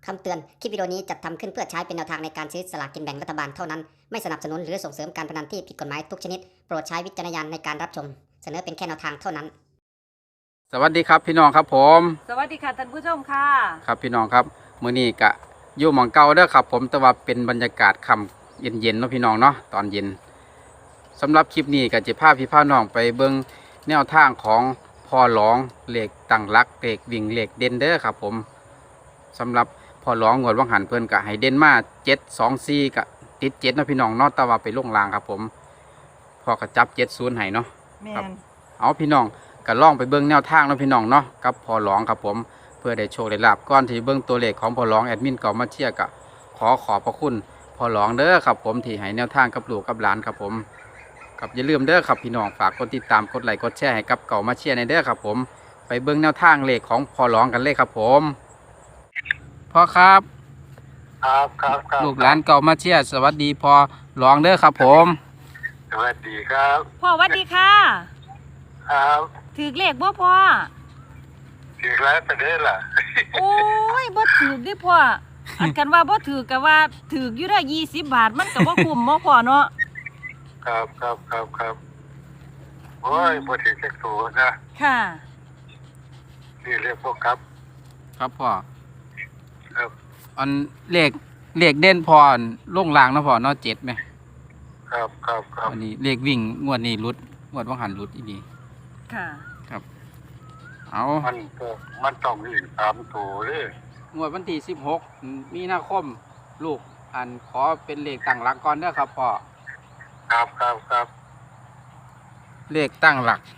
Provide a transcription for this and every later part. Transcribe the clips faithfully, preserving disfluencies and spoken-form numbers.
คำเตือน คลิปวิดีโอนี้จัดทำขึ้นเพื่อใช้เป็นแนวทางในการซื้อสลากกินแบ่งรัฐบาลเท่านั้น ไม่สนับสนุนหรือส่งเสริมการพนันที่ผิดกฎหมายทุกชนิด โปรดใช้วิจารณญาณในการรับชม เสนอเป็นแค่แนวทางเท่านั้นสวัสดีครับพี่น้องครับผมสวัสดีค่ะท่านผู้ชมค่ะครับพี่น้องครับมื้อนี้กะอยู่หม่องเก่าเด้อครับผมแต่ว่าเป็นบรรยากาศค่ำเย็นๆเนาะพี่น้องเนาะตอนเย็นสำหรับคลิปนี้ก็จะพาพี่พาน้องไปเบิ่งแนวทางของพ่อหลองเหล็กตั้งรักเหล็กวิ่งเหล็กเด่นเด้อครับผมสำหรับพ่อหลองงวดวังหันเพิ่นกะให้เด่นมาเจ็ดสองสี่กะติดเจ็ดเนาะพี่น้องเนาะแต่ว่าไปลงรางครับผมพอกระจับเจ็ดศูนย์ให้เนาะแมครับนเอาพี่น้องก็ล่องไปเบิ้งแนวทางเนาะพี่น้องเนาะกับพอหลองครับผมเพื่อได้โชคได้ลาบก่อนที่เบิ้งตัวเลขของพอหลองแอดมินเก่ามาเชียร์กะขอขอบพระคุณพอหลองเด้อครับผมที่ให้แนวทางกับลูกกับหลานครับผมกับอย่าลืมเด้อครับพี่น้องฝากกดติดตามกดไลค์กดแชร์ให้กับเก่ามาเชียร์ในเด้อครับผมไปเบิ้งแนวทางเลขของพอหลองกันเลยครับผมพ่อครับครับครับครับลูกหลานเก่ามาเชียร์สวัสดีพอหลองเด้อครับผมสวัสดีครับพ่อสวัสดีค่ะครับถือเลขบ่พ่อถึงแล้วประเด็นล่ะโอ้ยบ่ถือดิพ่ออันกันว่าบ่ถือก็ว่าถืออยู่ได้ยี่สิบบาทมันก็บ่คุ้มบ่พ่อเนาะครับครับครับครับโอ้ยพอถึงเช็คสูนะค่ะนี่เรียกพวกครับครับพ่อครับอันเลขเลขเด่นพอลงรางเนาะพ่อเนาะเจ็ดไหมครับครับครับวันนี้เลขวิ่งงวดนี้รุดงวดว่างหันรุดอีดีค่ะครับเอามันก็มันต้องมีสามตัวเลยงวดวันที่สิบหกมีนาคมลูกอันขอเป็นเลขตั้งหลักก่อนเด้อครับพ่อครับครับครับเลขตั้งหลัก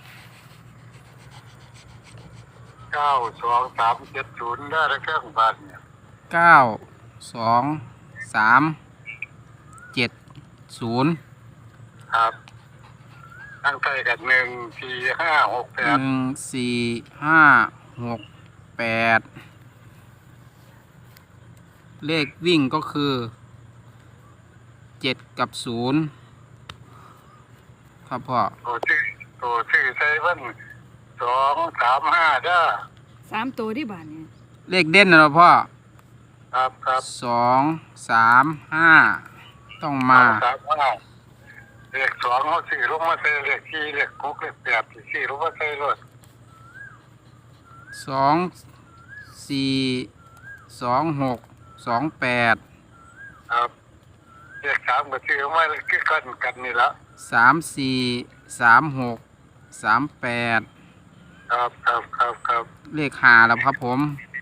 เก้าสองสามเจ็ดศูนย์ได้แล้วเครื่องบัตรเนี่ยเก้าสองสามเจ็ดศูนย์ครับตั้งใจกันหนึ่งสี่ห้าหกแปหดนึ่งสี่ห้าหกแปดเลขวิ่งก็คือเจ็ดกับศูนย์ครับพ่อตัวชื่อตัวชื่อไซเว่นสองสามห้าได้อสามตัวที่บ้านนี่เลขเด่นนะเนาะพ่อครับครับสองสามห้าต้องมาสองสามห้าเลขสองเขาสี่ลงมาใส่เลขสี่เลขหกเลขแปดสี่ลงมาใส่รถสองสี่สองหกสองแปดครับเลขสามก็ชื่อมาคือกันกันนี่ละสามสี่สามหกสามแปดครับครับครับครับเลขหาแล้วครับผม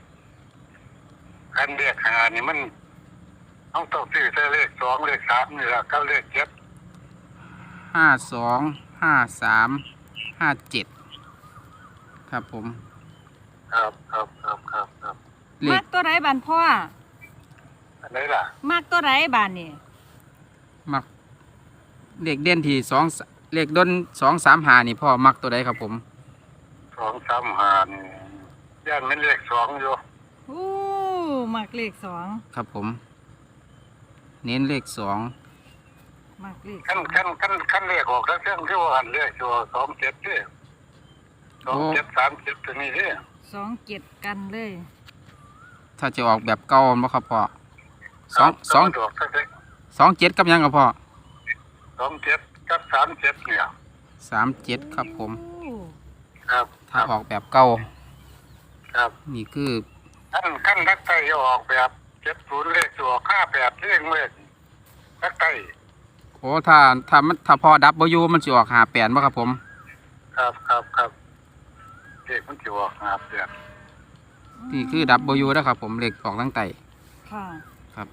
อันเลขหานี่มันต้องต้องซื้อใส่เลขสองเลขสามนี่ละกับเลขเจ็ดห้าสองห้าสามห้าเจ็ดครับผมครับครับครับครับครับเลมัขกตัวไหนบ้านพ่ออันไหนล่ะมักตัวไหนบ้านนี่มักเลขเด่นที่สองเลขด้นสองสามหานี่พ่อมักตัวใดครับผมสองสามหานี่ย่านมันเลขสองอยู่โอ้มักเลขสองครับผม เน้นเลขสองมักเลขสขั้นองขั้นขั้นขั้นเลขออกแล้วเครื่องที่ว่าหันเลขชัวสองเจ็ดนี่สองเจ็ดสามเจ็ดตัวนี้นี่สองเจ็ดกันเลยถ้าจะออกแบบเก่าบ่ครับพ่อสองสองดอกก็ได้สองเจ็ดกับหยังครับพ่อสองเจ็ดกับสามเจ็ดเนี่ยสามเจ็ดครับผมโอ้ครับถ้าออกแบบเก่าครับนี่คือขั้นขั้นทักไตจะออกแบบเจ็ดศูนย์เลขจะออกห้าแปดเลขเลขทักไตโอ้ถ้าถ้ามันถ้าพอดับบ่อยู่มันสิออกหาแปดบ่ครับผมครับครับครับเลขมันจะออกห้าแปดนี่คือดับบ่อยู่นะครับผมเลขออกตั้งแต่ค่ะครับ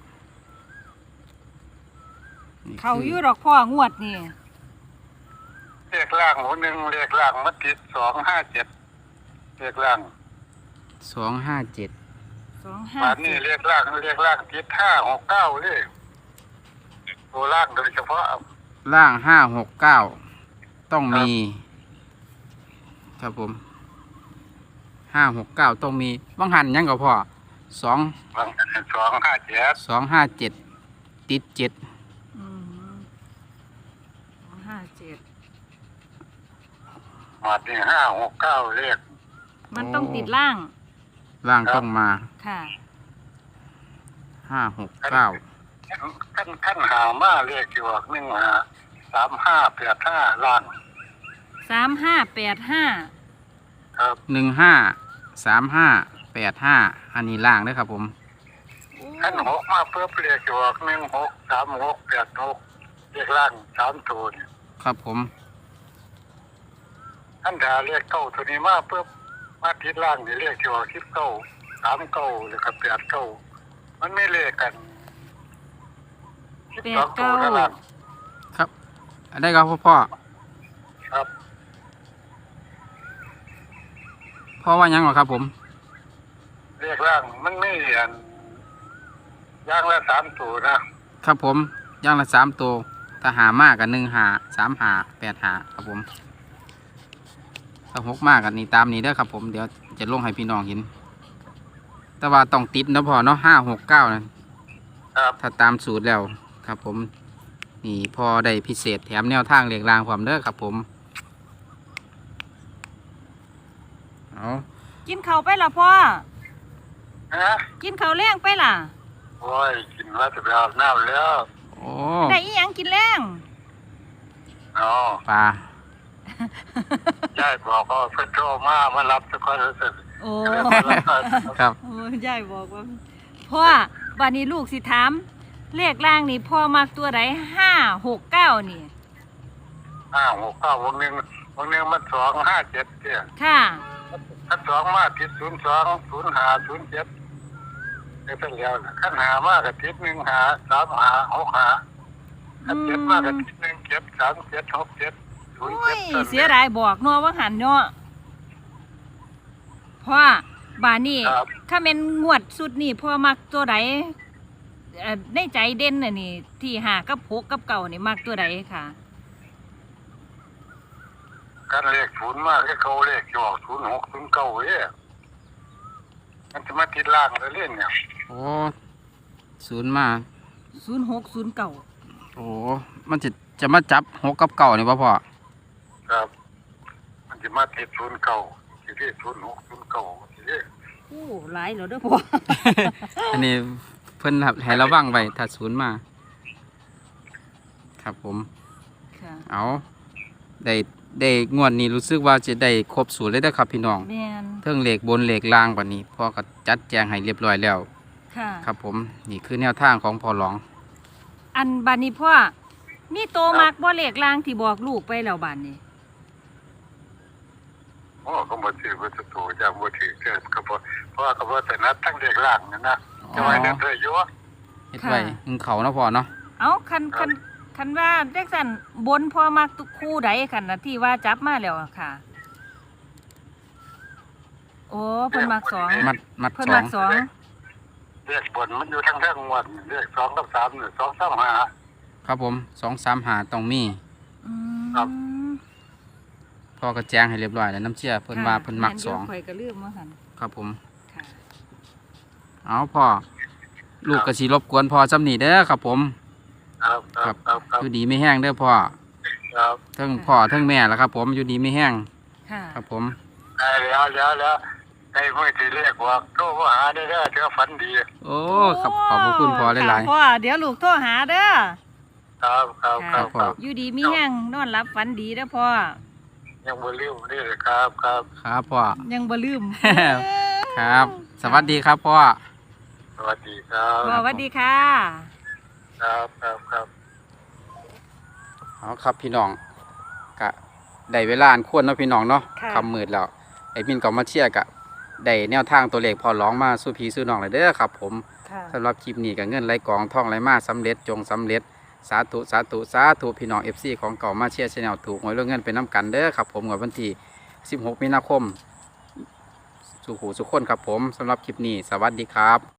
นี่เขาคืออยู่ดอกพ่องวดนี่เลขล่างหมูหนึ่งเลขล่างมันติดสองห้าเจ็ดเลขล่างสองห้าเจ็ดสองห้าบาทนี้เลขล่างเลขล่างติดห้าหกเก้าเลขตัวล่างโดยเฉพาะล่างห้าหกเก้าต้องมี ครับผมห้าหกเก้าต้องมีบ้างหันหยังก็พอสองสองห้าเจ็ดสองห้าเจ็ดติดเจ็ดอืมสองห้าเจ็ดบาทนี้ห้าหกเก้าเลขมันต้องติดล่างล่างต้องมาค่ะห้าหกเก้าขั้นขั้นหามาเรียกอยู่ว่าหนึ่งหาสามห้าแปดห้าล้านสามห้าแปดห้าครับหนึ่งห้าสามห้าแปดห้าอันนี้ล่างเด้อครับผมขั้นหกมาเพื่อเรียกอยู่ว่าหนึ่งหกสามหกแปดหกเรียกล้านสามตัวนี่ครับผมขั้นดาเรียกเก้าตัวนี้มาเพื่อมาทิศล่างนี่เรียกอยู่ว่าสิบเก้าสามเก้าหรือกับแปดเก้ามันไม่เลขกันสิบแปสอดงตัวเก้าเท่านั้นครับอันได้ครับพ่อพ่อครับพ่อว่ายังเหรอครับผมเรียกล่างมันไม่เรียนย่างละสามตัวนะครับผมย่างละสามตัวถ้าหามากกันหนึ่งหาสามหาแปดหาครับผมถ้าหกมากกันนี่ตามนี้เด้อครับผมเดี๋ยวจะลงให้พี่น้องเห็นแต่ว่าต้องติดนะพ่อเนาะห้าหกเก้านะครับ ถ้าตามสูตรแล้วครับผมนี่พอได้พิเศษแถมแนวทางเรียงรางความเด้อครับผมเอากินข้าวไปล่ะพ่อฮะกินข้าวแรงไปล่ะโอ้ยกินว่าจะไปอาบน้ำแล้วโอ้ได้อีหยังกินแรงอ๋อปลายายบอกว่าเพิ่นโทรมามารับสักคนรู้สึกโอ้ครับโอ้ยายบอกว่าพ่อบัดนี้ลูกสิถามเลขล่างนี่พ่อมักตัวใดห้าหกเก้านี่ห้าหกเก้าวงหนึ่งวงหนึ่งมันสองห้าเจ็ดเนี่ยค่ะขั้นสองมาทิศศูนย์สองศูนย์หาศูนย์เจ็ดได้เป็นแล้วนะขั้นหามากกับทิศหนึ่งหาสามหาหกหาขั้นเจ็ดมากกับทิศหนึ่งเจ็ดสามเจ็ดหกเจ็ดศูนย์โอ้เจ็ดยเสียดายบอกเนาะว่าหันเนาะพ่อบานี่ครับถ้าเป็นงวดสุดนี่พ่อมักตัวใดเอ่อในใจเด่นน่ะนี่ ที่หากับหกกับเก่านี่มักตัวใดค่ะการเลขศูนย์มากให้เขาเลขอยู่ศูนย์หกศูนย์เก้าเอ้ยมันจะมาติดล่างเลยเล่นเนี่ยโอ้ศูนย์มาศูนย์หกศูนย์เก่าโอ้มันจะจะมาจับหกกับเก่านี่ป่ะพ่อครับ มันจะมาติดศูนย์เก้าทีนี้ศูนย์หกศูนย์เก้าทีนี้โอ้หลายแล้วเด้อพ่ออันนี้เพิ่นครับให้ระวังไว้ถ้าศูนย์มา ครับผมค่ะเอาได้ได้งวดนี้รู้สึกว่าจะได้ครบสูตรเลยนะครับพี่น้องแม่นเทิงเหล็กบนเหล็กล่างกว่านี้พ่อก็จัดแจงให้เรียบร้อยแล้วค่ะครับผมนี่คือแนวทางของพ่อหลองอันบานนี้พ่อมีโตมักบ่เลขลางที่บอกลูกไปแล้วบานนี้โอ้ก็มาถือวัตถุอย่างมาถือเกิดก็เพราะเพราะว่าก็ว่าแต่นัดทั้งเด็กล่างนั่นนะจะไว้เดินเรื่อยอยู่เฮ็ดไว้หึงเขานะพ่อเนาะเอาคันคันคันว่าจังซั่นบนพ่อมักทุกคู่ใดคันน่ะที่ว่าจับมาแล้วอะค่ะ โอ้เพิ่นมักสองมัดมัดเพิ่นสอมังกสองเลขบนมันอยู่ทั้งเรื่องวันเลขสองกับสามหรือสองสามห้าครับผมสองสามหาต้องมีอืมครับพ่อก็แจงให้เรียบร้อยแล้วน้ำเชื่อเพิ่นว่าเพิ่นมักสองข่อยก็ลืมว่าหั่นครับผมค่ะเอาพ่อลูกกระชีรบกวนพ่อจำหนีเด้อครับผมครับครับครับครับอยู่ดีไม่แห้งเด้อพ่อครับทั้งพ่อทั้งแม่แล้วครับผมอยู่ดีไม่แห้งค่ะครับผมได้แล้วแล้วแล้วไอ้มือที่เลขว่าโทรมาหาได้แล้วเธอฝันดีโอ้ครับขอบพระคุณพ่อหลายค่ะพ่อเดี๋ยวลูกโทรหาเด้อครับครับครับครับอยู่ดีมีแห้งนอนหลับฝันดีเด้อพ่อยังบ่ลืมนี่เลยครับครับๆครับพ่อยังบ่ลืมครับ สวัสดีครับพ่อสวัสดีครับพ่อสวัสดีค่ะครับครับครับเอาครับพี่น้องกะได้เวลาอันควรเนาะพี่น้องเนาะค่ะคำมืดแล้วไอ้มินก็มาเชียร์กะได้แนวทางตัวเลขพอร้องมาสู้พี่สู้น้องเลยเด้อครับผมค่ะสำหรับคลิปนี้กับเงินไหลกองท่องไหลมาสำเร็จจงสำเร็จสาธุสาธุสาธุพี่น้อง เอฟ ซี ของเก่ามาเชียร์ชแนลถูกหวยเรื่องเงินเป็นน้ำกันเด้อครับผมงวดวันที่สิบหกมีนาคม สู่หูสุขคนครับผมสำหรับคลิปนี้สวัสดีครับ